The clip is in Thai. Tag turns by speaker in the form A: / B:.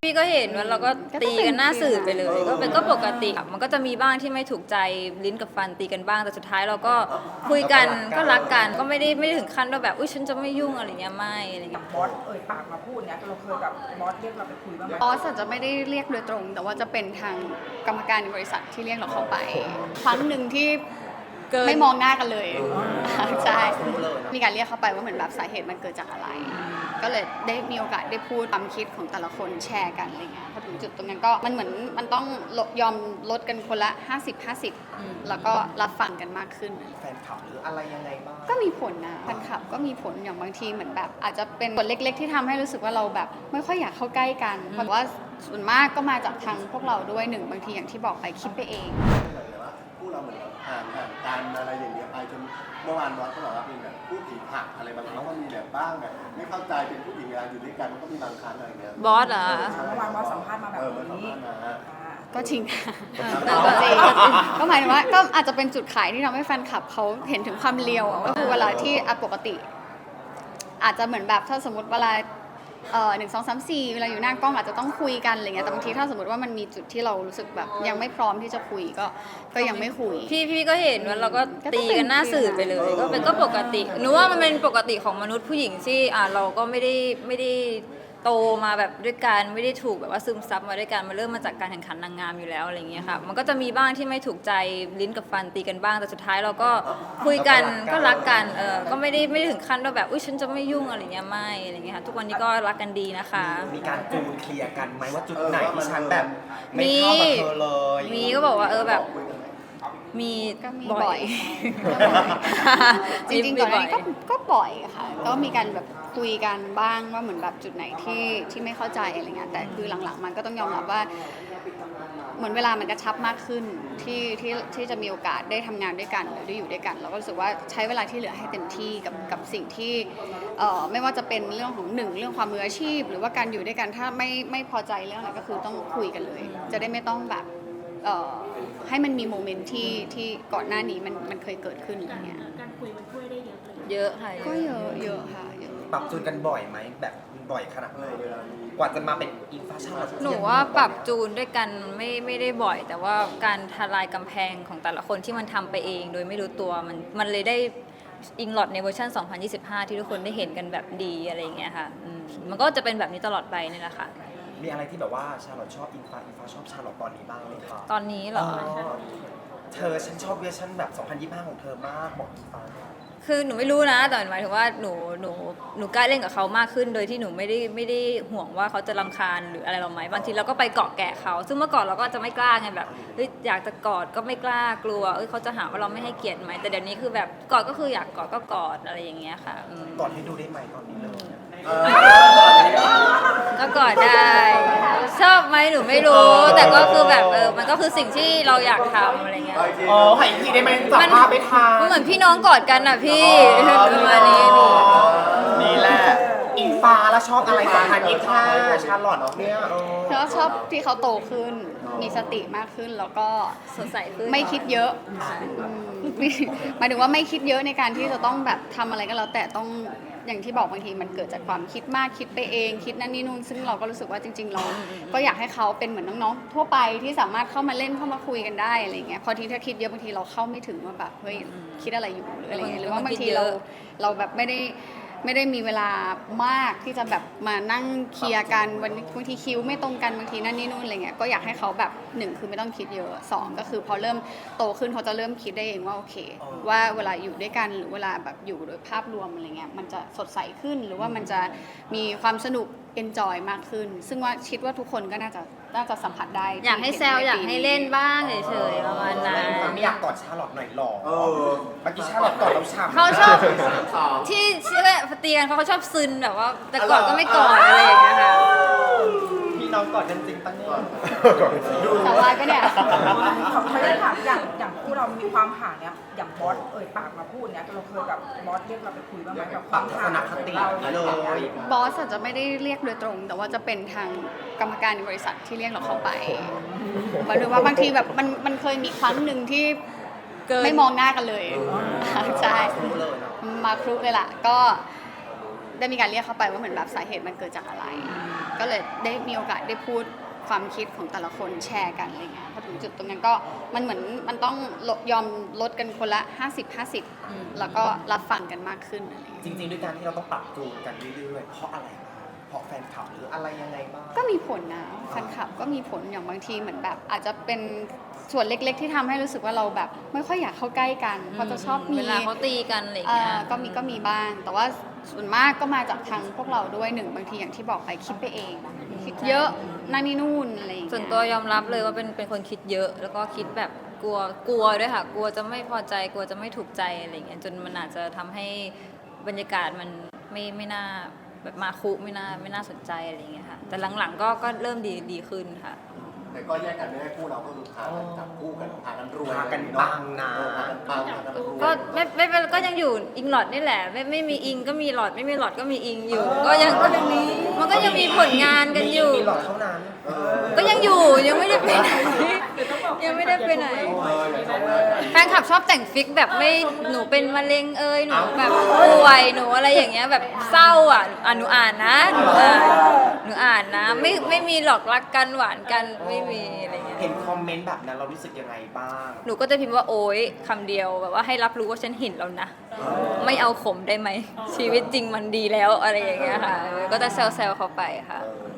A: พี่ก็เห็นว่าเราก็ตีกันหน้าสื่อไปเลยก็ปกติมันก็จะมีบ้างที่ไม่ถูกใจลิ้นกับฟันตีกันบ้างแต่สุดท้ายเราก็คุยกันก็รักกันก็ไม่ได้ถึงขั้นว่าแบบอุ้ยฉันจะไม่ยุ่งอะไรเงี้ยไม่อะไรเงี้ย
B: บอสปากมาพูดเนี่ยเราเคยแบบบอสเรียกเราไปคุยบ้างไหม
C: บอสอาจจะไม่ได้เรียกโดยตรง แต่ว่าจะเป็นทางกรรมการในบริษัทที่เรียกเราเข้าไปครั้งหนึ่งที่ไม่มองหน้ากันเลยใช่มีการเรียกเข้าไปว่าเหมือนแบบสาเหตุมันเกิดจากอะไรก็เลยได้มีโอกาสได้พูดความคิดของแต่ละคนแชร์กันอะไรเงี้ยพอถึงจุดตรงนั้นก็มันเหมือนมันต้องยอมลดกันคนละ50-50แล้วก็รับฟังกันมากขึ้น
D: แฟนคลับหรืออะไรยังไงบ้าง
C: ก็มีผลนะแฟนคลับก็มีผลอย่างบางทีเหมือนแบบอาจจะเป็นผลเล็กๆที่ทำให้รู้สึกว่าเราแบบไม่ค่อยอยากเข้าใกล้กันเพราะว่าส่วนมากก็มาจากทางพวกเราด้วยหนึ่งบางทีอย่างที่บอกไปคิดไปเอง
D: พูดเราเหมือนห่างกันอะไรอย่างเงี้ยไปจนเมื่อวานบอสก็บอกว่าเป็นแบบผู้หญิงหักอะไรบางครั้งก็มีแบบบ้างแบบไม่เข้าใจเป็นผู้หญิงเวลาอยู่ด้วยกันก็มีบางครั้งอะไรเงี้ย
A: บอสเหรอ
B: เมื่อวานบอสสัมภาษณ์มาแบบนี้
C: ก็จริงก็จริงก็หมายถึงว่าก็อาจจะเป็นจุดขายที่ทำให้แฟนคลับเขาเห็นถึงความเลียวก็คือเวลาที่ปกติ อาจจะเหมือนแบบถ้าสมมติเวลา1 2 3 4เวลาอยู่หน้ากล้องอาจจะต้องคุยกันอะไรเงี้ยแต่บางทีถ้าสมมติว่ามันมีจุดที่เรารู้สึกแบบยังไม่พร้อมที่จะคุยก็ยังไม่คุย
A: พี่ก็เห็นว่าเราก็ตีกันหน้าสื่อไปเลยก็ปกติหนูว่ามันเป็นปกติของมนุษย์ผู้หญิงที่เราก็ไม่ได้โตมาแบบด้วยกันไม่ได้ถูกแบบว่าซึมซับมาด้วยกันมาเริ่มมาจากการแข่งขันนางงามอยู่แล้วอะไรเงี้ยค่ะมันก็จะมีบ้างที่ไม่ถูกใจลิ้นกับฟันตีกันบ้างแต่สุดท้ายเราก็คุยกันก็รักกันก็ไม่ได้ถึงขั้นว่าแบบอุ้ยฉันจะไม่ยุ่งอะไรเงี้ยไม่อะไรเงี้ยค่ะทุกวันนี้ก็รักกันดีนะคะ
D: มีการจูนเคลียร์กันไหมว่าจุดไหนที่ฉันแบบไม่เข้ากับเธอเลย
A: มีก็บอกว่าแบบมี
C: บ่อยจริงๆก่อนหน้านี้ก็บ่อยค่ะก็มีการแบบคุยกันบ้างว่าเหมือนแบบจุดไหนที่ไม่เข้าใจอะไรเงี้ยแต่คือหลังๆมันก็ต้องยอมรับว่าเหมือนเวลามันกระชับมากขึ้นที่จะมีโอกาสได้ทำงานด้วยกันหรือได้อยู่ด้วยกันเราก็รู้สึกว่าใช้เวลาที่เหลือให้เต็มที่กับสิ่งที่ไม่ว่าจะเป็นเรื่องของเรื่องความมืออาชีพหรือว่าการอยู่ด้วยกันถ้าไม่พอใจเรื่องอะไรก็คือต้องคุยกันเลยจะได้ไม่ต้องแบบให้มันมีโมเมนต์ที่ก่อนหน้านี้มันเคยเกิดขึ้นอะไรเงี้ย
E: การคุยมันช่วยได้เยอะเลย
A: เยอะค่ะ
C: ก็เยอะค่ะ
D: ปรับจูนกันบ่อยไหมแบบบ่อยขนาดไหนกว่าจะมาเป็นอินฟาชั่น
A: หนูว่าปรับจูนด้วยกันไม่ได้บ่อยแต่ว่าการทลายกำแพงของแต่ละคนที่มันทำไปเองโดยไม่รู้ตัวมันเลยได้อิงลอดในเวอร์ชัน2025ที่ทุกคนได้เห็นกันแบบดีอะไรอย่างเงี้ยค่ะมันก็จะเป็นแบบนี้ตลอดไปนี่แหละค่ะ
D: มีอะไรที่แบบว่าชาลอตชอบอินฟาชอบชาลอตตอนนี้บ้างไหมคะ
A: ตอนนี้เหรอ
D: ฉันชอบเวอร์ชันแบบ2025ของเธอมากบอกอินฟา
A: คือหนูไม่รู้นะแต่หมายถึงว่าหนูกล้าเล่นกับเขามากขึ้นโดยที่หนูไม่ได้ห่วงว่าเขาจะรำคาญหรืออะไรเราไหมบางทีเราก็ไปเกาะแกะเขาซึ่งเมื่อก่อนเราก็จะไม่กล้าไงแบบอยากจะกอดก็ไม่กล้ากลัวเขาจะหาว่าเราไม่ให้เกียรติไหมแต่เดี๋ยวนี้คือแบบกอดก็คืออยากกอดก็กอดอะไรอย่างเงี้ยค่ะ
D: กอดให้ดูได้ไหมตอนนี้เลย
A: ก็กอดได้ชอบไหมหนูไม่รู้แต่ก็คือแบบมันก็คือสิ่งที่เราอยากทำอะไรเงี้ย
D: ให้พี่ได้ไหมจับภาพไปทาง
A: มันเหมือนพี่น้องกอดกันอ่ะพี่ประมาณนี้
D: นี่แหละอินฟ้าแล้วชอบอะไร2025ชาลอตเนี่ย
C: ชอบที่เขาโตขึ้นมีสติมากขึ้นแล้วก็
A: สดใสขึ้น
C: ไม่คิดเยอะหมายถึงว่าไม่คิดเยอะในการที่จะต้องแบบทำอะไรก็แล้วแต่ต้องอย่างที่บอกบางทีมันเกิดจากความคิดมากคิดไปเองคิดนั่นนี่นู่นซึ่งเราก็รู้สึกว่าจริงๆเราก็อยากให้เขาเป็นเหมือนน้องๆทั่วไปที่สามารถเข้ามาเล่นเข้ามาคุยกันได้อะไรเงี้ยพอทีถ้าคิดเยอะบางทีเราเข้าไม่ถึงว่าแบบเฮ้ยคิดอะไรอยู่หรืออะไรเงี้ยหรือว่าบางทีเราแบบไม่ได้มีเวลามากที่จะแบบมานั่งเคลียร์กันบางทีคิวไม่ตรงกันบางทีนั่นนี่นู่นอะไรเงี้ยก็อยากให้เขาแบบ1คือไม่ต้องคิดเยอะ2ก็คือพอเริ่มโตขึ้นเขาจะเริ่มคิดได้เองว่าโอเคว่าเวลาอยู่ด้วยกันหรือเวลาแบบอยู่โดยภาพรวมอะไรเงี้ยมันจะสดใสขึ้นหรือว่ามันจะมีความสนุก enjoy มากขึ้นซึ่งว่าคิดว่าทุกคนก็น่าจะสัมผัสได้
A: อยากให้แซวอยากให้เล่นบ้างเฉยๆประมาณนั้น
D: ไม่อยากกอดชาลอตหน่อยหรอเมื่อกี้ชาลอตกอดเราฉ่ำ
A: เขาชอบที่เตียงเขาชอบซึนแบบว่าแต่กอดก็ไม่กอดอะไรอย่างเงี้ยค่ะ
D: พี่น้องกอดกันจริงปะเนี่ย
C: สาววายปะเนี่ย
B: เขาได้ถามอย่างคู่เรามีความห่างเนี่ยอย่างบอสปากมาพูดเนี่ยเราเคยแบบบอสเรียกเราไปคุยบ้างไหมแบบความห่างเรา
D: เลย
C: บอสอาจจะไม่ได้เรียกโดยตรง แต่ว่าจะเป็นทางกรรมการในบริษัทที่เรียกเราเข้าไปหมายถึงว่าบางทีแบบมันเคยมีครั้งหนึ่งที่ไม่มองหน้ากันเลยใช่มาครุเลยล่ะก็ได้มีการเรียกเข้าไปว่าเหมือนแบบสาเหตุมันเกิดจากอะไรก็เลยได้มีโอกาสได้พูดความคิดของแต่ละคนแชร์กันอะไรเงี้ยพอถึงจุดตรงนั้นก็มันเหมือนมันต้องยอมลดกันคนละ50-50แล้วก็รับฟังกันมากขึ้นอะไรเงี้ย
F: จริงๆด้วยการที่เราต้องปรับจูนกันเรื่อยๆเพราะอะไรบ้างเพราะแฟนคลับหรืออะไรยังไงบ้าง
C: ก็มีผลนะแฟนคลับก็มีผลอย่างบางทีเหมือนแบบ อาจจะเป็นส่วนเล็กๆที่ทำให้รู้สึกว่าเราแบบไม่ค่อยอยากเข้าใกล้กันเพราะจะชอบมี
A: เวลาเขาตีกันอะไรอย่างเงี้ย
C: ก็มีบ้างแต่ว่าส่วนมากก็มาจากทางพวกเราด้วยหนึ่งบางทีอย่างที่บอกไปคิดไปเอง คิดเยอะนั่นนี่นู่นอะไรอย่างเงี้ย
A: ส่วนตัวยอมรับเลยว่าเป็นคนคิดเยอะ แล้วก็คิดแบบกลัวด้วยค่ะ กลัวจะไม่พอใจกลัวจะไม่ถูกใจอะไรอย่างเงี้ยจนมันอาจจะทำให้บรรยากาศมันไม่น่าแบบมาคุไม่น่าสนใจอะไรอย่างเงี้ยค่ะแต่หลังๆก็เริ่มดีขึ้นค่ะ
D: แต่ก็แยกกันไม่ได้คู่เราก็คือพากันจับคู่กันพากันรวย
F: พากันปังนะ
D: พากันปังพากันรวย
A: ก็ไม่เป็นก็ยังอยู่อิงหลอดนี่แหละไม่มีอิงก็มีหลอดไม่มีหลอดก็มีอิงอยู่ ก็ยังมีมันก็ยังมีผลงานกันอยู่
F: มีหลอดเท่านั้น
A: ก็ยังอยู่ยังไม่ได้ไปไหนยังไม่ได้ไปไหน แฟนคลับชอบแต่งฟิกแบบไม่หนูเป็นมะเร็งหนูแบบป่วยหนูอะไรอย่างเงี้ยแบบเศร้าหนูอ่านนะหนูอ่านนะไม่มีหลอกรักกันหวานกันไม่มีอะไรเงี้ย
F: เห็นคอมเมนต์แบบนั้นเรารู้สึกยังไงบ้าง
A: หนูก็จะพิมพ์ว่าโอ๊ยคำเดียวแบบว่าให้รับรู้ว่าฉันเห็นแล้วนะ ไม่เอาขมได้ไหมชีวิตจริงมันดีแล้วอะไรอย่างเงี้ยค่ะ ก็จะแซวๆเขาไปค่ะ
D: เออ